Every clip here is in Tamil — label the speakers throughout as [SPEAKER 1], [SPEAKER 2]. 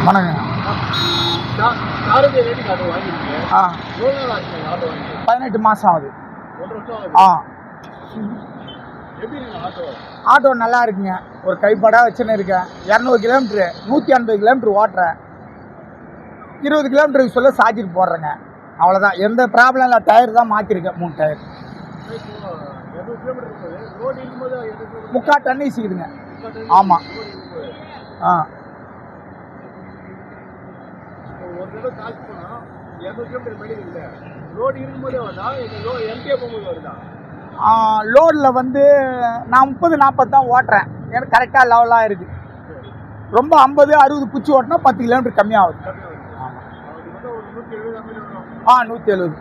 [SPEAKER 1] வணக்கங்க. ஆ 18 மாதம் ஆகுது. ஆ ஆட்டோ நல்லா இருக்குங்க. ஒரு கைப்படாக வச்சுன்னு இருக்கேன். 200 கிலோமீட்ரு 150 கிலோமீட்ரு ஓட்டுறேன். 20 கிலோமீட்டருக்கு சொல்ல சார்ஜர் போடுறேங்க. அவ்வளோதான், எந்த ப்ராப்ளம் இல்லை. டயர் தான் மாற்றிருக்கேன், 3 டயர். 3/4 டன் இசிக்குதுங்க. ஆமாம். ஆ லோடில் வந்து நான் 30-40 தான் ஓட்டுறேன். எனக்கு கரெக்டாக லெவலாக இருக்குது. ரொம்ப 50-60 பிடிச்சி ஓட்டினா 10 கிலோமீட்டர் கம்மியாகுது. ஆமாம். 170.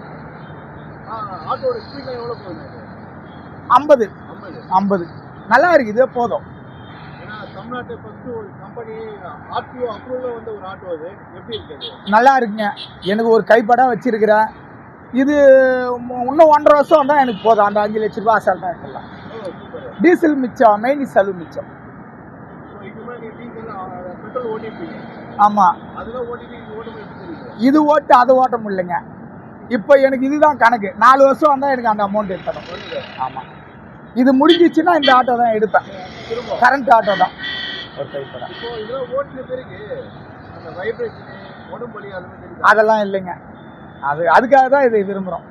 [SPEAKER 1] 50 நல்லா இருக்குது, இதே போதும். நல்லா இருக்குங்க. எனக்கு ஒரு கைப்படா வச்சிருக்கிறேன். இது இன்னும் 1.5 வருஷம் தான் எனக்கு போதும். அந்த 5 லட்ச ரூபா அசால்ட்டாக இருக்கலாம். டீசல் மிச்சம், மெயின் செலவு மிச்சம். ஆமாம். இது ஓட்டு அதை ஓட்ட முடியலைங்க. இப்போ எனக்கு இதுதான் கணக்கு. 4 வருஷம் வந்தால் எனக்கு அந்த அமௌண்ட் எடுத்தணும். ஆமாம். இது முடிஞ்சிச்சுன்னா இந்த ஆட்டோ தான் எடுப்பேன். கரண்ட் ஆட்டோ தான் ஒரு கைப்படா. அதெல்லாம் இல்லைங்க. அதுக்காக தான் இதை விரும்புகிறோம்.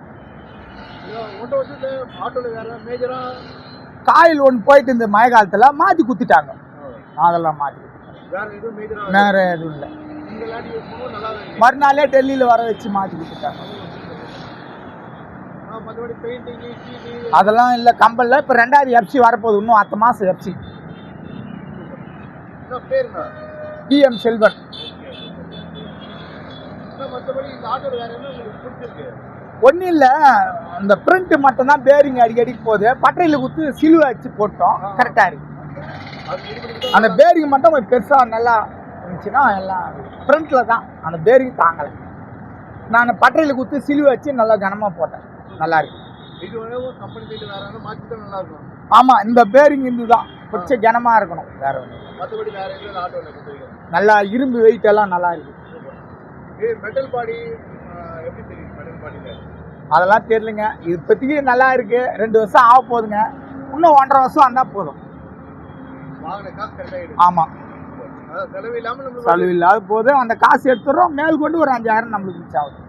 [SPEAKER 1] காயில் ஒன்று போயிட்டு இந்த மழை காலத்தில் மாற்றி குத்திட்டாங்க. அதெல்லாம் மாற்றி வேற எதுவும் இல்லை. மறுநாளே டெல்லியில் வர வச்சு மாற்றி கொடுத்துட்டாங்க. அதெல்லாம் இல்லை, கம்பல்ல. இப்போ 2வது எஃப்சி வரப்போகுது, இன்னும் அடுத்த மாதம் எஃப்சி. DM செல்வன். ஒன்றும் இல்லை, இந்த பிரிண்ட் மட்டும்தான் பேரிங் அடிக்கடிக்கு போகுது. பட்டறையில் கொடுத்து சிலுவை வச்சு போட்டோம், கரெக்டாக இருக்கு. அந்த பேரிங் மட்டும் கொஞ்சம் பெருசாக நல்லா இருந்துச்சுன்னா எல்லாம் ஃப்ரண்ட்டில் தான். அந்த பேரிங் தாங்கலை. நான் பட்டறையில் கொடுத்து சிலுவை வச்சு நல்லா கனமாக போட்டேன், நல்லா இருக்கு. ஆமாம், இந்த பேரிங் இருந்து தான் கொஞ்சம் கனமாக இருக்கணும், வேற ஒன்று. நல்லா இரும்பு வெயிட் எல்லாம் நல்லா இருக்கு. அதெல்லாம் தெரியலங்க. இப்போதைக்கு நல்லா இருக்கு. 2 வருஷம் ஆக போகுதுங்க. இன்னும் 1.5 வருஷம் வந்தால் போதும். ஆமாம், செலவு இல்லாத போது அந்த காசு எடுத்துடுறோம். மேல் கொண்டு ஒரு 5000 நம்மளுக்கு மிச்சம் ஆகுது.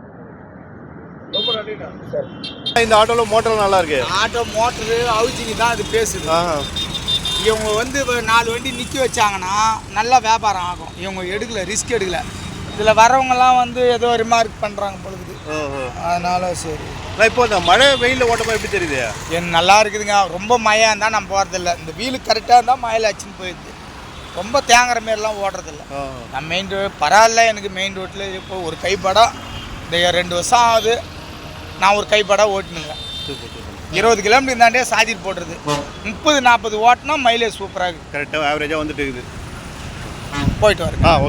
[SPEAKER 2] இந்த ஆட்டோவில் மோட்டர் நல்லா இருக்கு.
[SPEAKER 1] ஆட்டோ மோட்டரு அவுச்சிங்க தான் அது பேசுது. இவங்க வந்து 4 வண்டி நிற்க வச்சாங்கன்னா நல்லா வியாபாரம் ஆகும். இவங்க எடுக்கல, ரிஸ்க் எடுக்கல. இதில் வரவங்கலாம் வந்து ஏதோ ரிமார்க் பண்ணுறாங்க பொழுது. அதனால சரி.
[SPEAKER 2] இப்போ இந்த மழை வெயிலில் ஓட்டமாக எப்படி தெரியுது?
[SPEAKER 1] எனக்கு நல்லா இருக்குதுங்க. ரொம்ப மழையாக இருந்தால் நான் போகிறதில்ல. இந்த வீலு கரெக்டாக இருந்தால் மழையில் அச்சுன்னு போயிடுது. ரொம்ப தேங்குற மாரிலாம் ஓடுறதில்ல. நான் மெயின் ரோடு பரவாயில்ல. எனக்கு மெயின் ரோட்டில் இப்போ ஒரு கைப்படம் இந்த 2 வருஷம் ஆகுது. நான் ஒரு கைப்படா ஓட்டினுங்க. 20 கிலோமீட்டர் இருந்தாண்டே சார்ஜர் போடுறது. 30-40 ஓட்டினா மைலேஜ் சூப்பராக இருக்குது.
[SPEAKER 2] கரெக்டாக ஆவரேஜாக வந்துட்டு இருக்குது.
[SPEAKER 1] போயிட்டு வரேன்.